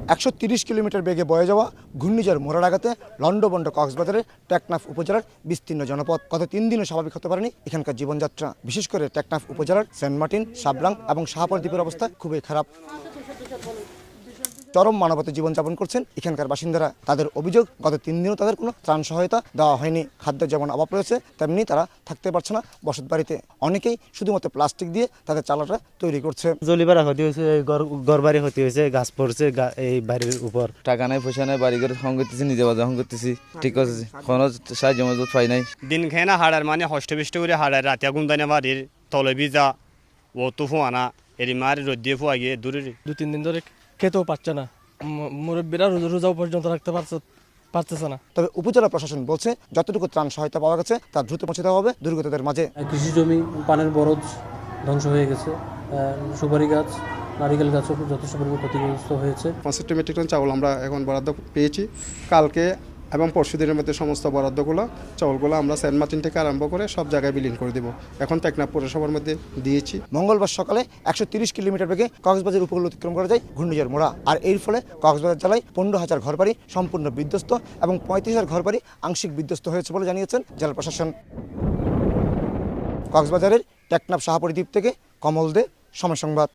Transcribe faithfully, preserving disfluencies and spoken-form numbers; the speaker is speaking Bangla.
একশো তিরিশ কিলোমিটার বেগে বয়ে যাওয়া ঘূর্ণিঝড় মোড়ার আঘাতে লন্ডভন্ড কক্সবাজারের টেকনাফ উপজেলার বিস্তীর্ণ জনপদ গত তিন দিনও স্বাভাবিক হতে পারেনি এখানকার জীবনযাত্রা। বিশেষ করে টেকনাফ উপজেলার সেন্ট মার্টিন, সাবলাং এবং শাহপর দ্বীপের অবস্থা খুবই খারাপ। চরম মানবতা জীবনযাপন করছেন এখানকার বাসিন্দারা। তাদের অভিযোগ, গত তিন দিনও তাদের কোনো ত্রাণ সহায়তা দেওয়া হয়নি। খাদ্যের যেমন অভাব রয়েছে, তেমনি তারা থাকতে পারছে না বসত বাড়িতে। অনেকেই শুধুমাত্র প্লাস্টিক দিয়ে তাদের চালাটা তৈরি করছে। জলিপাড়া ক্ষতি হয়েছে, ঘর বাড়ি ক্ষতি হয়েছে, গাছ পড়ছে এই বাড়ির উপর। টাকা নাই, পয়সা নাই, বাড়ি ঘরে সঙ্গ করতেছি, নিজে বাজার সঙ্গ করতেছি, ঠিক আছে, কোনো সাহায্য মজুত পাই নাই। দিন খেয়ে না হাড়ার মানে হষ্ট বিষ্ট করে হাড়ার রাতিয়া গুন্দানে বাড়ির তলে ভিজা ও তো ফোয়ানা এরি মারি রোদ দিয়ে ফোয়া গিয়ে দূরে দু তিন দিন ধরে খেতেও পারছে না, মুরব্বীরা রোজাও পর্যন্ত রাখতে পারছে পারতেছে না। তবে উপজেলা প্রশাসন বলছে যতটুকু ত্রাণ সহায়তা পাওয়া গেছে তা দ্রুত পৌঁছে দেওয়া হবে দুর্গতদের মাঝে। কৃষি জমি পানের বরজ ধ্বংস হয়ে গেছে, সুপারি গাছ, নারিকেল গাছও যথেষ্ট পরিমাণে ক্ষতিগ্রস্ত হয়েছে। পঁয়ষট্টি মেট্রিক টন চাউল আমরা এখন বরাদ্দ পেয়েছি। কালকে এবং পরশু দিনের মধ্যে সমস্ত বরাদ্দগুলো চাউলগুলো আমরা সেন্ট মার্টিন থেকে আরম্ভ করে সব জায়গায় বিলীন করে দেবো। এখন টেকনাফ পৌরসভার মধ্যে দিয়েছি। মঙ্গলবার সকালে একশো তিরিশ কিলোমিটার বেগে কক্সবাজার উপকূল অতিক্রম করা যায় ঘূর্ণিঝড় মোড়া। আর এর ফলে কক্সবাজার জেলায় পনেরো হাজার ঘরবাড়ি সম্পূর্ণ বিধ্বস্ত এবং পঁয়ত্রিশ হাজার ঘরবাড়ি আংশিক বিধ্বস্ত হয়েছে বলে জানিয়েছেন জেলা প্রশাসন। কক্সবাজারের টেকনাফ শাহপরী দ্বীপ থেকে কমল দে, সময় সংবাদ।